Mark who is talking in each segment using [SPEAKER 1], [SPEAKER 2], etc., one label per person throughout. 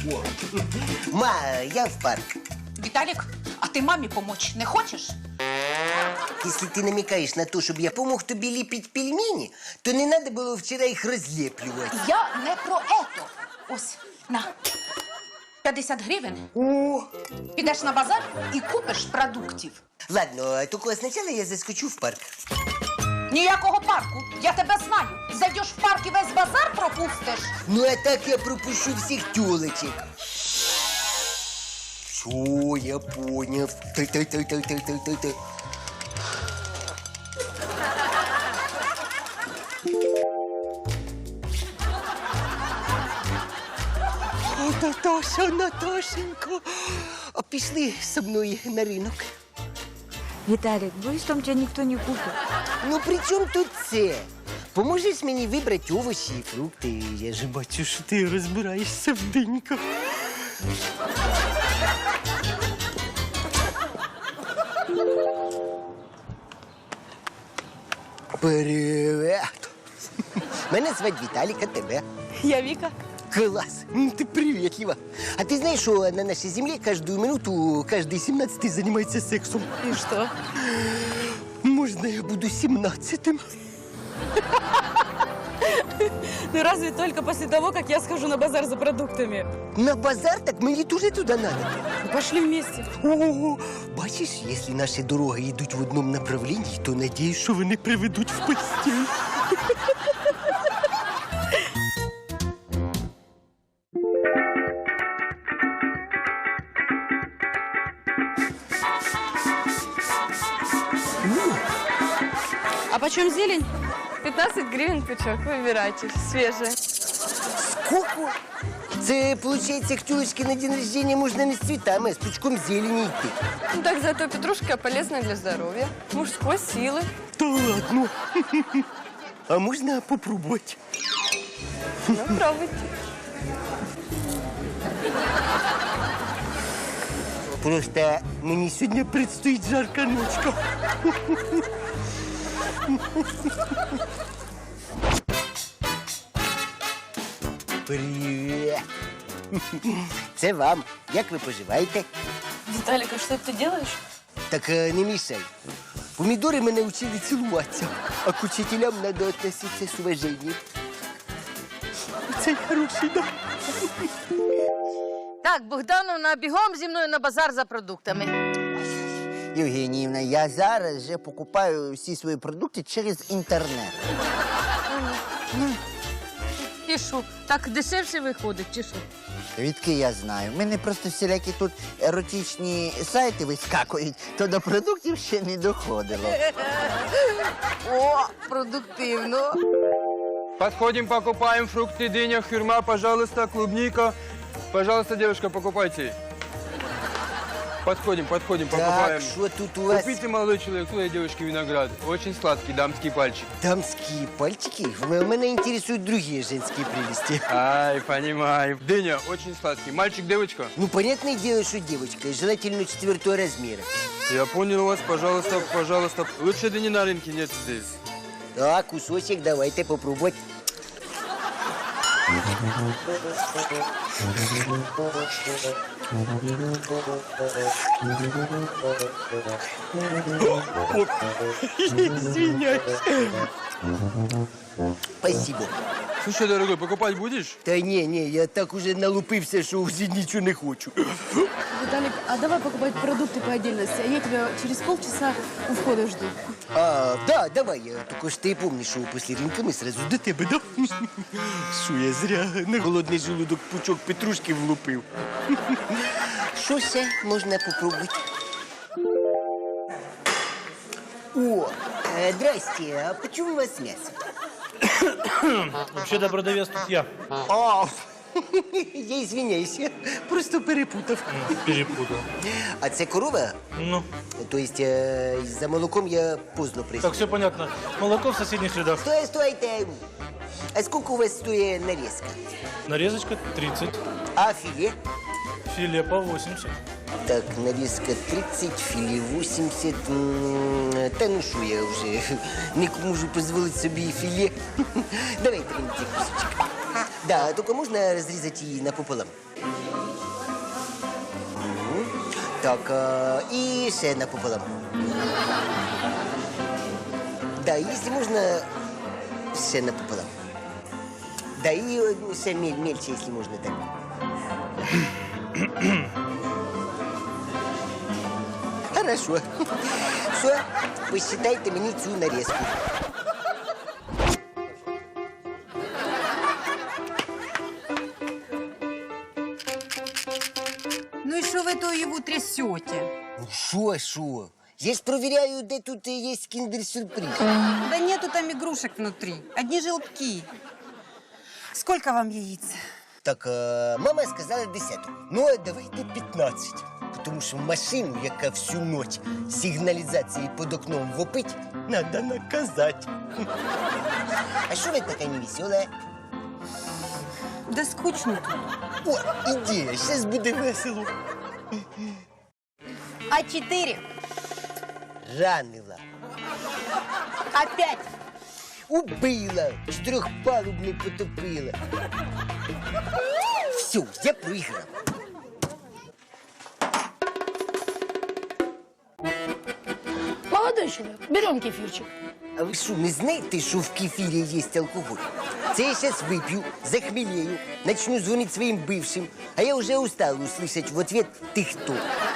[SPEAKER 1] Ма, я в парк.
[SPEAKER 2] Віталік, а ти мамі помочь не хочеш?
[SPEAKER 1] Если ты намекаешь на то, чтобы я помог тобі ліпити пельмені, то не надо було вчора їх розліплювати.
[SPEAKER 2] Я не про ето. Ось, на. 50 гривень.
[SPEAKER 1] О!
[SPEAKER 2] Підеш на базар і купиш продуктів.
[SPEAKER 1] Ладно, тільки спочатку я заскочу в парк.
[SPEAKER 2] Ніякого парку. Я тебе знаю. Зайдеш в парк і весь базар пропустиш.
[SPEAKER 1] Ну, а так я пропущу всіх тёлочек. Все, я понял. Ты. О, Наташа, Наташенька, а пішли со мною на ринок.
[SPEAKER 3] Виталик, боюсь, там тебя никто не купит.
[SPEAKER 1] Ну, при чому тут це? Поможеш мені вибрати овочі і фрукти. Я ж бачу, що ти розбираєшся в диньках. Привет! Мене звати Віталік, а тебе?
[SPEAKER 3] Я Вика.
[SPEAKER 1] Класс! Ты приветлива. А ты знаешь, что на нашей земле каждую минуту каждый 17-й занимается сексом?
[SPEAKER 3] И что?
[SPEAKER 1] Можно я буду 17-м?
[SPEAKER 3] Ну разве только после того, как я схожу на базар за продуктами.
[SPEAKER 1] На базар? Так мне тоже туда надо.
[SPEAKER 3] Ну, пошли вместе.
[SPEAKER 1] О, бачиш, если наши дороги идут в одном направлении, то надеюсь, что вони приведуть в постель.
[SPEAKER 3] А почем зелень? 15 гривен пучок. Выбирайте. Свежая.
[SPEAKER 1] Сколько? Це, получается, к тёлочке на день рождения можно не с цветами, а с пучком зелени идти.
[SPEAKER 3] Ну так зато петрушка полезная для здоровья. Мужской силы.
[SPEAKER 1] Да ладно. А можно попробовать?
[SPEAKER 3] Ну, пробуйте.
[SPEAKER 1] Просто мне сегодня предстоит жаркая ночка. Привет. Це вам. Як ви поживаєте?
[SPEAKER 3] Виталик, а что ты делаешь?
[SPEAKER 1] Так не мішай. Помідори мене учили цілуватися, а к учителям треба відноситися з уваженням. Це хороший, да?
[SPEAKER 4] Так, Богдановна, бігом зі мною на базар за продуктами.
[SPEAKER 5] Євгеніївна, я зараз вже покупаю всі свої продукти через інтернет.
[SPEAKER 4] І що, так дешевше виходить, чи що?
[SPEAKER 5] Відки я знаю. В мене просто всілякі тут еротичні сайти вискакують, то до продуктів ще не доходило.
[SPEAKER 4] О, продуктивно.
[SPEAKER 6] Подходим, покупаем фрукты, дыня, хюрма, пожалуйста, клубника. Пожалуйста, девушка, покупайте. Подходим, покупаем.
[SPEAKER 1] Так, що тут у вас?
[SPEAKER 6] Купите, молодой человек, своей девушке виноград. Очень сладкий, дамский пальчик.
[SPEAKER 1] Дамские пальчики? Меня интересуют другие женские прелести.
[SPEAKER 6] Ай, понимаю. Дыня, очень сладкий. Мальчик, девочка?
[SPEAKER 1] Ну, понятное дело, что девочка, и желательно 4-го размера.
[SPEAKER 6] Я понял вас, пожалуйста, пожалуйста. Лучше дыни на рынке нет здесь.
[SPEAKER 1] Да, кусочек давайте попробовать. Извиняюсь. Спасибо.
[SPEAKER 6] Слушай, дорогой, покупать будешь?
[SPEAKER 1] Та не, я так уже налупився, що вже нічого не хочу.
[SPEAKER 7] Виталик, а давай покупать продукты по отдельности, а я тебя через полчаса у входа жду.
[SPEAKER 1] А, да, давай. Только ж ти помниш, що після ринку ми сразу до тебе, да? Що я зря на голодний желудок пучок петрушки влупив. Що ще можна попробувати? О, здрасте, а почему у вас мясо?
[SPEAKER 8] Вообще-то продавец тут я.
[SPEAKER 1] А, я извиняюсь, я просто перепутав.
[SPEAKER 8] Перепутал.
[SPEAKER 1] А це корова?
[SPEAKER 8] Ну,
[SPEAKER 1] То есть за молоком я поздно прийшов.
[SPEAKER 8] так, все понятно. Молоко в соседних рядах.
[SPEAKER 1] Стойте. А сколько у вас стоит нарезка?
[SPEAKER 8] Нарезочка 30,
[SPEAKER 1] А филе?
[SPEAKER 8] филе по 80.
[SPEAKER 1] Так, нарезка 30, филе 80. Та ну що, я вже не можу дозволити собі і філе. Давайте мені цей кусочок. Да, только можно разрезать ее напополам. Так, и ще напополам. Да, если можно, ще напополам. Да, и ще мельче, если можно так. Хорошо. Все, посчитайте мені цю нарезку.
[SPEAKER 9] Ну и что вы то его трясете?
[SPEAKER 1] Ну, шо? Я ж проверяю, де тут є кіндер-сюрприз.
[SPEAKER 9] Да нету там игрушек внутри, одни желтки. Сколько вам яиц?
[SPEAKER 1] Так, мама сказала 10. Ну, а давайте 15. Тому що машину, яка всю ніч сигналізації під окном вопить, треба наказати. А що ви така невесела?
[SPEAKER 9] Да скучно тут.
[SPEAKER 1] О, ідея, зараз буде весело.
[SPEAKER 9] А4.
[SPEAKER 1] Ранила.
[SPEAKER 9] Опять.
[SPEAKER 1] Убила. Чотирьохпалубний потопила. Все, я проіграв.
[SPEAKER 7] Молодой человек, берем кефирчик.
[SPEAKER 1] А ви що, не знаєте, що в кефірі є алкоголь? Це я зараз вип'ю, захмелею, начну дзвонити своїм бившим, а я вже устала услышать в ответ «ты кто?».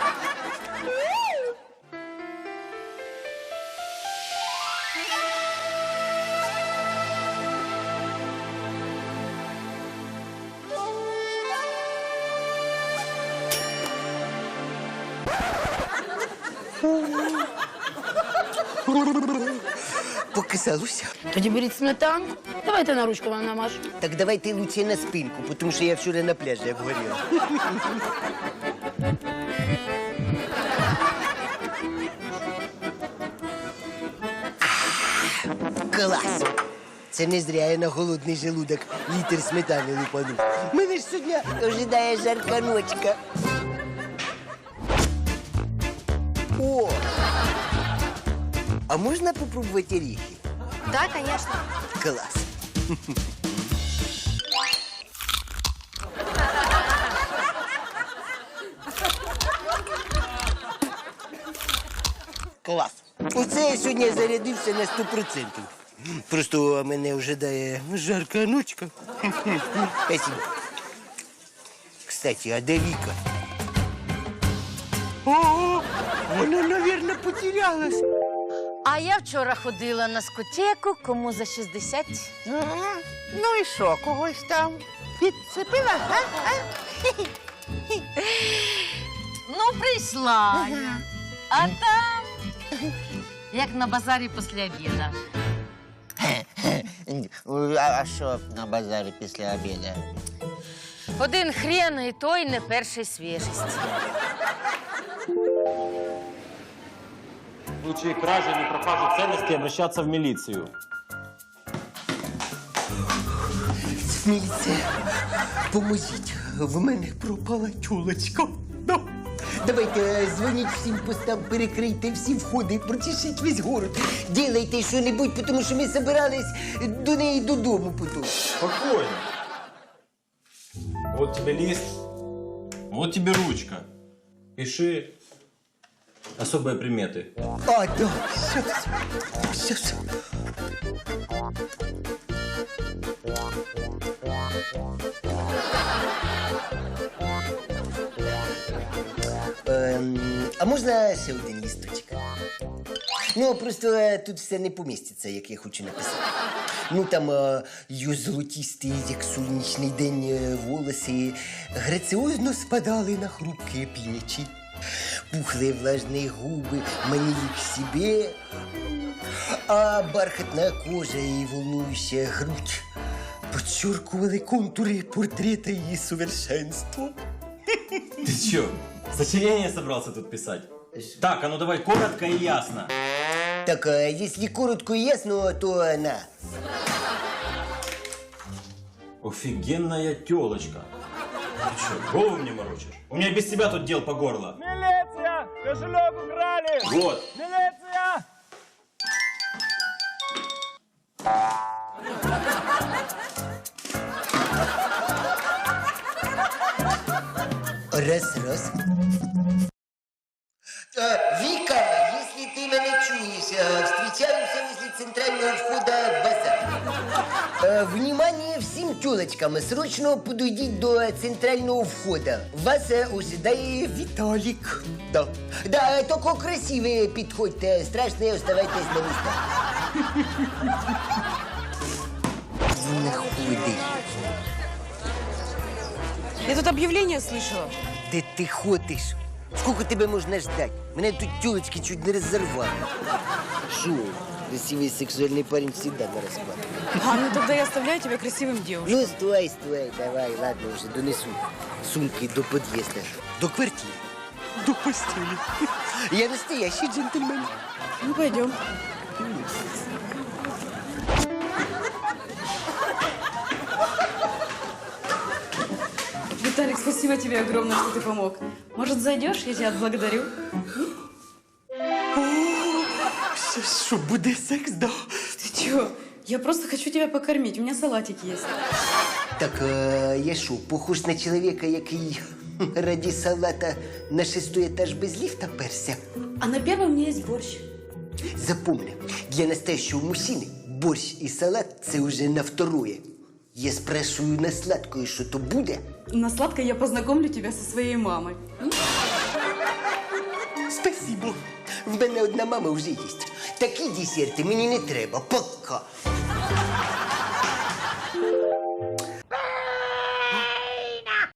[SPEAKER 1] Показалося.
[SPEAKER 7] Тоді беріть сметанку. Давайте на ручку вам намажу.
[SPEAKER 1] Так давайте лучше на спинку, тому що я вчора на пляжі обгоріла. Клас! Це не зря я на голодний желудок літр сметани лупанув. Мене ж сьогодні ожидає жарка ночка. О! А можна попробувати оріхи?
[SPEAKER 9] Да, конечно.
[SPEAKER 1] Клас! Клас! Оце я сьогодні зарядився на 100%. Просто мене ожидає жарка ночка. Спасибо. Кстати, а де Віка? О, вона, наверное, потерялась.
[SPEAKER 4] А я вчора ходила на скотеку, кому за 60.
[SPEAKER 5] Ну і що, когось там підцепила, а?
[SPEAKER 4] Ну, прийшла я. А там, як на базарі після обіду.
[SPEAKER 5] А що на базарі після обіду?
[SPEAKER 4] Один хрен, і той не першої свіжості.
[SPEAKER 10] В случае кражи или пропажи ценностей обращаться в милицию.
[SPEAKER 1] Міліція, поможіть, в мене пропала тюлочка. Да. Давайте дзвоніть всім постам, перекрийте всі входи, прочешіть весь город. Ділайте що-небудь, тому що ми збирались до неї додому потім.
[SPEAKER 10] Спокойно. Вот тебе лист, вот тебе ручка. Пиши особые приметы.
[SPEAKER 1] А, да, щас. А можна ще один лісточок? Ну, просто тут все не поміститься, як я хочу написати. Ну, там її золотісті, як сонячний день, волоси граціозно спадали на хрупкі плечі. Пухлые влажные губы манили к себе, а бархатная кожа и волнующая грудь подчеркивали контуры портрета ее совершенства.
[SPEAKER 10] Ты чё, сочинение собрался тут писать? Так, а ну давай коротко и ясно.
[SPEAKER 1] Так, если коротко и ясно, то на.
[SPEAKER 10] Офигенная тёлочка. Ты чё, голову мне морочишь? У меня без тебя тут дел по горло.
[SPEAKER 6] Милиция! Кошелек украли!
[SPEAKER 10] Вот.
[SPEAKER 6] Милиция!
[SPEAKER 1] Раз. Вика, если ты меня чуешь, встречаемся возле центрального входа в базар. Внимание всем тёлочкам, срочно подойдите до центрального входа. Вас ожидає Виталик. Да, только красивые подходьте, страшные оставайтесь на местах. Находи.
[SPEAKER 3] Я тут объявление слышала.
[SPEAKER 1] Де ти ходиш? Сколько тебе можна ждать? Мене тут тёлочки чуть не разорвали. Шо? Красивый сексуальный парень всегда на распад.
[SPEAKER 3] Ну тогда я оставляю тебя красивым девушкой.
[SPEAKER 1] Ну, стой, давай, ладно, уже донесу сумки до подъезда. До квартиры. До постели. Я настоящий джентльмен.
[SPEAKER 3] Ну, пойдем. Виталик, спасибо тебе огромное, что ты помог. Может, зайдешь? Я тебя отблагодарю.
[SPEAKER 1] Что, буде секс, да?
[SPEAKER 3] Ты чего? Я просто хочу тебя покормить. У меня салатик есть.
[SPEAKER 1] Так, я що, похож на чоловіка, який ради салата на 6-й етаж без ліфта перся?
[SPEAKER 3] А на первом у меня есть борщ.
[SPEAKER 1] Запомни, для настоящего мужчины борщ и салат – це уже на второе. Я спрашиваю на сладкое, что то буде?
[SPEAKER 3] На сладкое я познакомлю тебя со своей мамой.
[SPEAKER 1] Спасибо. В мене одна мама вже є. Такі десерти мені не треба. Пока.